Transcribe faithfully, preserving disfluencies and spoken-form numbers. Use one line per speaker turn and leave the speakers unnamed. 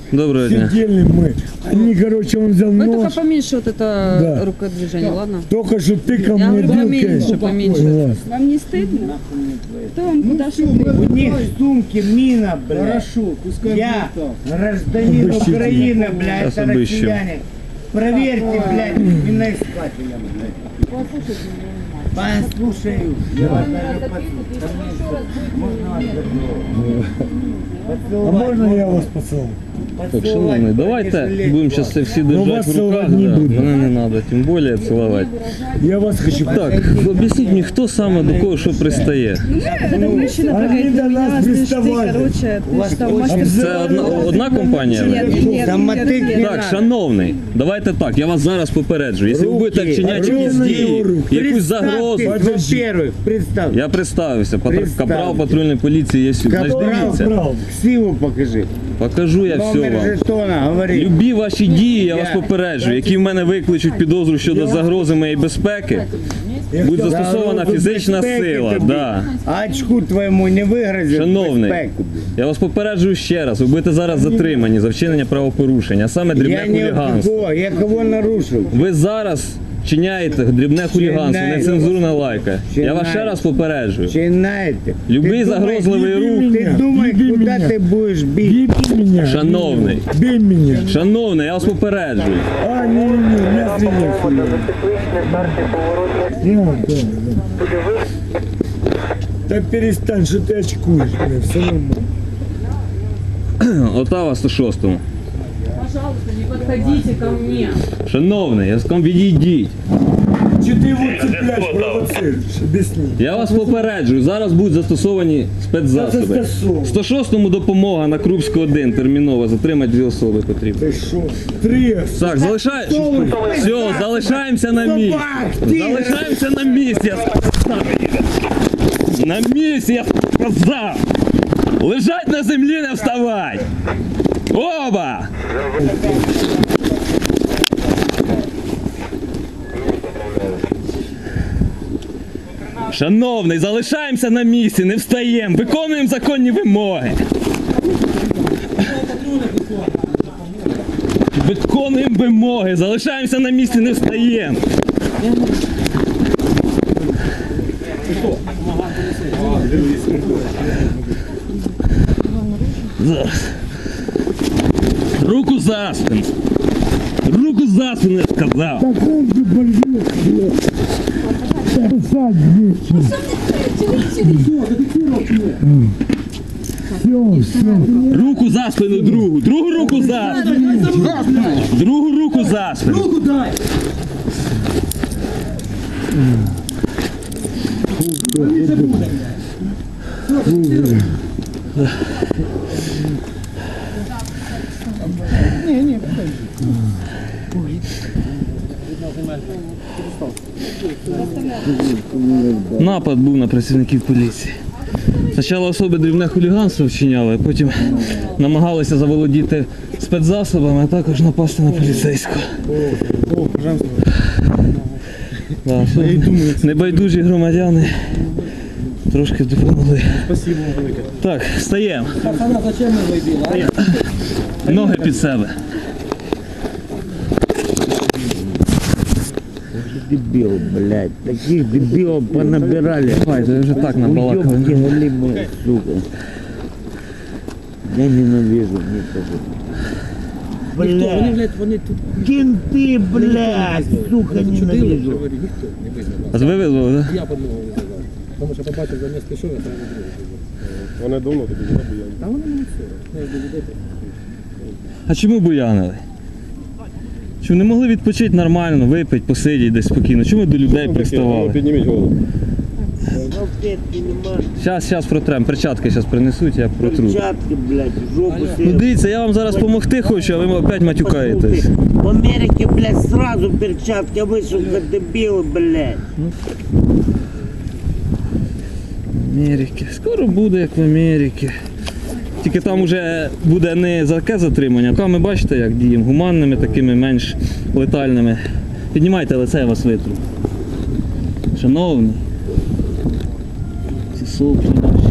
Доброго дня.
Сидели мы. Они, короче, он взял
Вы
нож.
только поменьше вот это
Да.
рукодвижение, ладно?
Только что тыкал
Я
мне
говорю,
вилкой.
поменьше, поменьше.
Ладно.
Вам не стыдно? Кто вам куда что
У них в сумке мина, блядь.
Хорошо, пускай
Я
будет так.
гражданин
Обыщите.
Украины, блядь,
Сейчас
это
обыщем.
россияне. Проверьте, блядь, миноискателя, блядь. Послушаю. Я вас даже поцелую. Можно вас
А
поцеловать?
можно я вас поцелую?
Так, шановний, давайте будемо зараз це всі
Ну,
держати
вас
в руках.
цілувати не
Да.
буду.
Мене не треба, тим більше цілувати.
Я вас хочу
Так, об'ясніть мені, хто саме до кого що пристає?
Этот мужчина
Они
прыгает
до
на меня,
нас
слышь, ты,
приставали.
короче,
У вас
ты что,
очень
мастер?
Це одна, одна компанія? ви?
Нет, нет,
Там
нет,
мотык
нет.
не
Так,
надо.
шановний, давайте так, я вас зараз попереджу. Якщо ви
Руки,
будете вчиняти
руки,
якісь дії,
руки.
якусь загрозу.
Представьтесь, во-первых, представь.
Я представився, патр-
Представте.
капрал патрульної поліції є сюди. Значить,
Капрал,
дивіться,
Брал.
Ксиву покажи.
покажу я все
Номер
вам.
жетона, говори.
Любі ваші дії, я вас
Я-
попереджую, які в мене викличуть підозру щодо загрози моєї безпеки, буде застосована
Загрозу
фізична
безпеки
сила.
тобі.
Да.
А очку твоєму не вигрозить
Шановний,
безпеку.
я вас попереджую ще раз, ви будете зараз затримані за вчинення правопорушення, а саме дрібне
Я не
хуліганство.
кого, я кого нарушив?
Ви зараз вчиняєте дрібне хуліганство,
Вчиняю.
нецензурна лайка. Я вас ще
Вчиняю.
раз попереджую.
Чинаєте?
Любий
Ти думай,
загрозливий
ти
рух.
Ти думай,
Люби
куди
мене.
ти будеш бити?
Бей меня.
Шановний,
Бей меня.
шановний, я вас попереджую.
А, не, не, не, я зрение. Да, да, да. Да перестань, что ты очкуешь, бля, все нормально.
Отава сто шостому.
Пожалуйста, не подходите ко мне.
Шановний, я сказав, відійдіть.
Че ты его цепляешь, провоцируешь? Объясни.
Я вас попереджую, зараз будуть застосовані спецзасоби.
Це застосовано.
сто шостому допомога на Крупську один терміново, затримати дві особи потрібно.
Ты шо? Три.
Так, залишай... Все, залишаємося на місці. Залишаємося на місці, я сказав. На місці, я сказав. Лежать на землі, не вставай. Оба! Шановний, залишаємося на місці, не встаємо, виконуємо законні вимоги. Виконуємо вимоги, залишаємося на місці, не встаємо. Зараз. Руку за спину. Руку за спину, я сказав.
Так он же больной, блядь. Сядь, блядь. Все, все.
Руку за спину другу. Другу руку за спину. Другу руку за спину.
Руку дай!
Напад був на працівників поліції. Спочатку особи дрібне хуліганство вчиняли, а потім намагалися заволодіти спецзасобами, а також напасти на поліцейського. Да, небайдужі громадяни трошки допомогли.
Спасибо вам велике.
Так, встаємо.
Пацана, зачем ми вийдемо?
Ноги під себе.
Дебил, блядь. Таких дебилов понабирали.
Давай, ти вже так
Уёбки
набалакали.
голимые, сука. Я ненавижу никого.
Вони,
Блядь.
блядь, вони тут
Кенты, блядь, сука,
чудили,
ненавижу.
говорю, ніхто не визнав.
А ви визвали, так?
Я подмогу визвав. Тому що побачив, за місто пішов, я там не другий.
Вони давно тобі не бояли.
Та вони не все. Я ж до людей.
А чому буянили? Чому не могли відпочити нормально, випити, посидіти десь спокійно? Чому до людей приставали?
Підніміть голову.
Салфетки нема,
Зараз, зараз протрем, перчатки зараз принесуть, я протру.
перчатки, блядь, в жопу
Ну
себе.
дивіться, я вам зараз допомогти хочу, а ви опять матюкаєтесь.
В Америке, блядь, сразу перчатки, а вы, сука, дебилы, блядь.
Америки. Скоро буде, як в Америці. Тільки там вже буде не за таке затримання, а там ми бачите, як діємо, гуманними, такими менш летальними. Піднімайте лице, я вас витру. Шановні. Ці соплі наші.